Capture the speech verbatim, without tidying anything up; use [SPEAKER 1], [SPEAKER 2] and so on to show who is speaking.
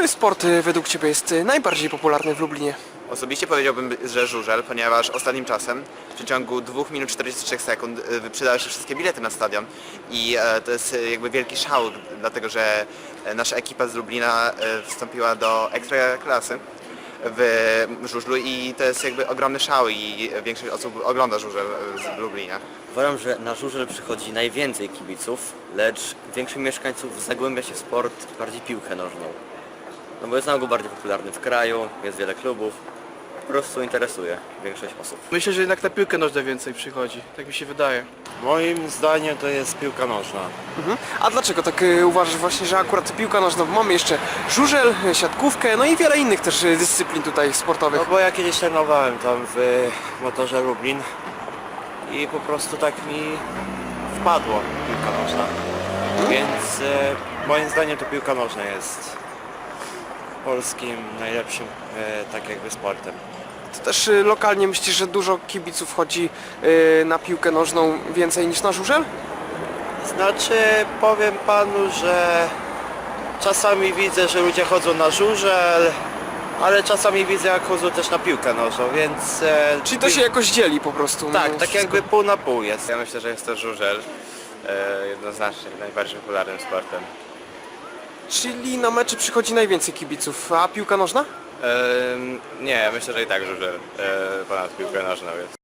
[SPEAKER 1] Który sport y, według Ciebie jest y, najbardziej popularny w Lublinie?
[SPEAKER 2] Osobiście powiedziałbym, że żużel, ponieważ ostatnim czasem w przeciągu dwóch minut czterdziestu trzech sekund y, wyprzedały się wszystkie bilety na stadion i e, to jest y, jakby wielki szał, dlatego że e, nasza ekipa z Lublina e, wstąpiła do ekstraklasy w żużlu i to jest jakby ogromny szał i większość osób ogląda żużel z Lublina.
[SPEAKER 3] Uważam, że na żużel przychodzi najwięcej kibiców, lecz większość mieszkańców zagłębia się w sport, bardziej piłkę nożną. No bo jest na ogół bardziej popularny w kraju, jest wiele klubów, po prostu interesuje większość osób.
[SPEAKER 4] Myślę, że jednak na piłkę nożną więcej przychodzi, tak mi się wydaje.
[SPEAKER 5] Moim zdaniem to jest piłka nożna.
[SPEAKER 1] Mhm. A dlaczego tak y, uważasz właśnie, że akurat piłka nożna, bo mamy jeszcze żużel, y, siatkówkę, no i wiele innych też y, dyscyplin tutaj sportowych.
[SPEAKER 5] No bo ja kiedyś trenowałem tam w motorze Lublin i po prostu tak mi wpadło piłka nożna. Więc e, moim zdaniem to piłka nożna jest polskim najlepszym e, tak jakby sportem.
[SPEAKER 1] To też y, lokalnie myślisz, że dużo kibiców chodzi y, na piłkę nożną więcej niż na żużel?
[SPEAKER 5] Znaczy powiem panu, że czasami widzę, że ludzie chodzą na żużel, ale czasami widzę jak chodzą też na piłkę nożną, więc... E,
[SPEAKER 1] Czyli to się jakoś dzieli po prostu?
[SPEAKER 5] Tak,
[SPEAKER 1] no,
[SPEAKER 5] tak
[SPEAKER 1] wszystko.
[SPEAKER 5] jakby pół na pół jest.
[SPEAKER 2] Ja myślę, że jest to żużel e, jednoznacznie najbardziej popularnym sportem.
[SPEAKER 1] Czyli na mecze przychodzi najwięcej kibiców, a piłka nożna?
[SPEAKER 2] E, nie, myślę, że i tak żużel e, ponad piłkę nożną jest.